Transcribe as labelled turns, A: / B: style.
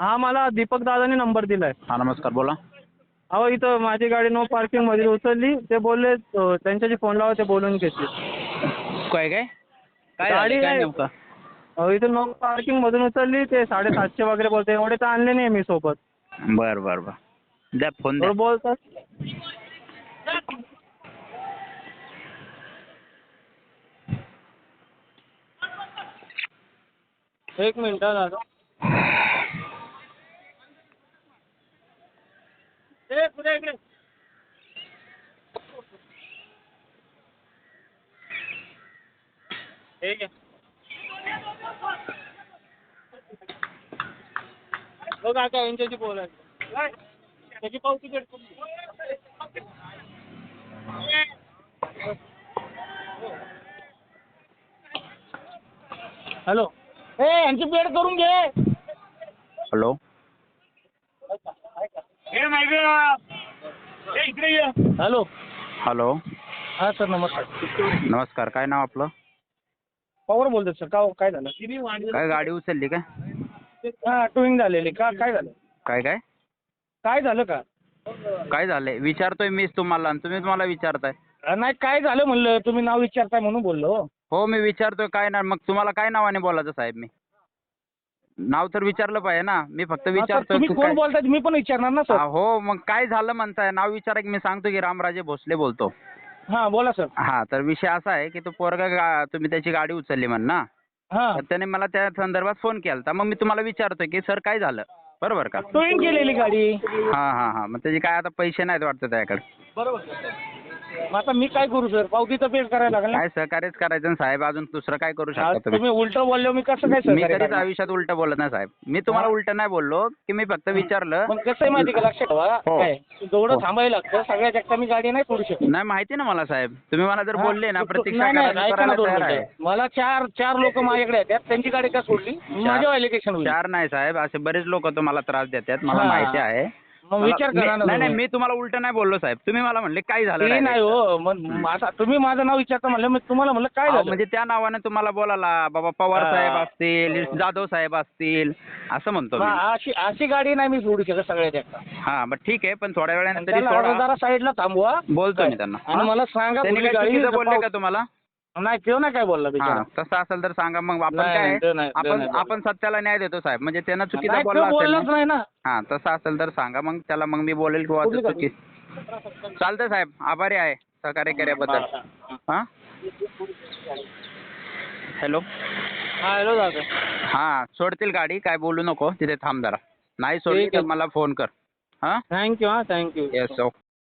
A: हा मला दीपक दादाने नंबर दिलाय.
B: हा नमस्कार बोला.
A: अहो इथं माझी गाडी नो पार्किंग मध्ये उचलली. ते बोलले त्यांच्याशी फोन लावा, ते बोलून घेतली.
B: काय काय काय
A: गाडी
B: झालं काय
A: नाही.
B: नेमकं?
A: इथं नो पार्किंग मधून उचलली. ते 750 वगैरे बोलते. एवढे तर आणले नाही मी सोबत.
B: बर बर बर द्या फोन द्या.
A: थोडं बोलतात. एक मिनिट हा दादा. पुढे इकडे. ठीक आहे. बघ आता यांच्याशी बोलायचं. त्याची पावती भेटतो. हॅलो. यांची पेड करून घे.
B: हॅलो.
A: हॅलो.
B: हॅलो.
A: हा सर नमस्कार.
B: नमस्कार काय नाव आपलं?
A: पवार बोलतो सर. काय झालं?
B: काय गाडी उचलली काय?
A: हा टूइंग झालेली. काय झालं?
B: काय काय
A: काय झालं का?
B: काय झालंय विचारतोय मीच तुम्हाला आणि तुम्हीच मला विचारताय.
A: नाही काय झालं म्हणलं. तुम्ही नाव विचारताय म्हणून बोललो.
B: हो मी विचारतोय काय ना मग तुम्हाला काय नावाने बोलायचं साहेब? मी नाव तर विचारलं पाहिजे ना. मी फक्त विचारतोय
A: तुम्ही
B: की
A: कोण
B: काय.
A: बोलताय मी पण विचारणार ना सर.
B: हो मग काय झालं म्हणताय? नाव विचारा की मी सांगतो की रामराजे भोसले बोलतो.
A: हा बोला सर.
B: हा तर विषय असा आहे की तो पोरगा तुम्ही त्याची गाडी उचलली म्हण ना.
A: हा
B: तर त्याने मला त्या संदर्भात फोन केला. मग मी तुम्हाला विचारतोय की सर काय झालं? बरोबर का?
A: टूइंग केलेली गाडी.
B: हा मग त्याचे काय आता पैसे नाहीत वाटतं त्याकडे.
A: बरोबर. मग आता मी काय करू सर? पावतीचं पेड करायला लागेल ना.
B: काय सहकार्यच करायचं ना साहेब. अजून दुसरं काय करू शकता तुम्ही?
A: तुम्ही उलट बोलले मी कसं काय
B: मी
A: सहकार्य
B: कधीच
A: करणार?
B: आयुष्यात उलट बोलत नाही साहेब. मी तुम्हाला उलट नाही बोललो की मी फक्त विचारलं.
A: पण कसं आहे माहिती का? लक्षात ठेवा.
B: हो.
A: काय जेवढं
B: हो.
A: थांबायला लागतं सगळ्यात जास्त मी गाडी नाही सोडू शकत.
B: नाही माहिती ना मला साहेब. तुम्ही मला जर बोलले ना प्रतीक्षा
A: नाही नाही
B: करायला
A: ऐका ना दोन
B: तयार आहे.
A: मिनिटं. मला चार लोक माझ्याकडे येतात. त्यांची गाडी का सोडली? माझ्या ॲलिगेशन होईल.
B: 4 नाही साहेब असे बरेच लोक तुम्हाला त्रास देतात मला
A: हा.
B: माहिती आहे.
A: मग विचार करा ना
B: नाही
A: तुम्ही.
B: मी तुम्हाला उलट नाही बोललो साहेब. तुम्ही मला म्हणले काय झालं
A: ते
B: direct?
A: नाही हो. मग आता तुम्ही माझं नाव विचारता म्हणलं. मी तुम्हाला म्हणलं काय झालं?
B: म्हणजे त्या नावाने तुम्हाला बोलायला बाबा पवार
A: हा.
B: साहेब असतील, जाधव साहेब असतील असं म्हणतो मी.
A: मग अशी गाडी नाही मी सोडू शकत सगळ्यात जास्त.
B: हा मग ठीक आहे पण थोड्या वेळाने तरी
A: त्याला
B: सोडा.
A: जरा साईडला थांबवा.
B: बोलतो मी त्यांना.
A: आणि मला सांगा
B: त्यांनी
A: कुठली
B: काय
A: गाडी.
B: चुकीचं बोलले का तुम्हाला?
A: नाही तो नाही काय बोलला
B: हा
A: बिचारा.
B: तसं असेल तर सांगा मग आपण
A: नाही,
B: काय
A: ते नाही, ते नाही बोलला.
B: आपण सत्याला न्याय देतो साहेब. म्हणजे त्यांना चुकीचं
A: नाही,
B: बोलला
A: तो
B: असेल
A: बोललाच
B: ना.
A: नाही ना.
B: हा तसं असेल तर सांगा मग त्याला. मग मी बोलेल किंवा
A: कुठली
B: चुकी चालतंय साहेब. आभारी आहे सहकार्य केल्याबद्दल. हा हॅलो.
A: हा हॅलो दादा.
B: हा सोडतील गाडी काय बोलू नको. तिथे थांब जरा. नाही सोडली
A: ठीक
B: तर
A: आहे.
B: मला फोन कर. हा
A: थँक्यू. हा थँक्यू.
B: Yes okay.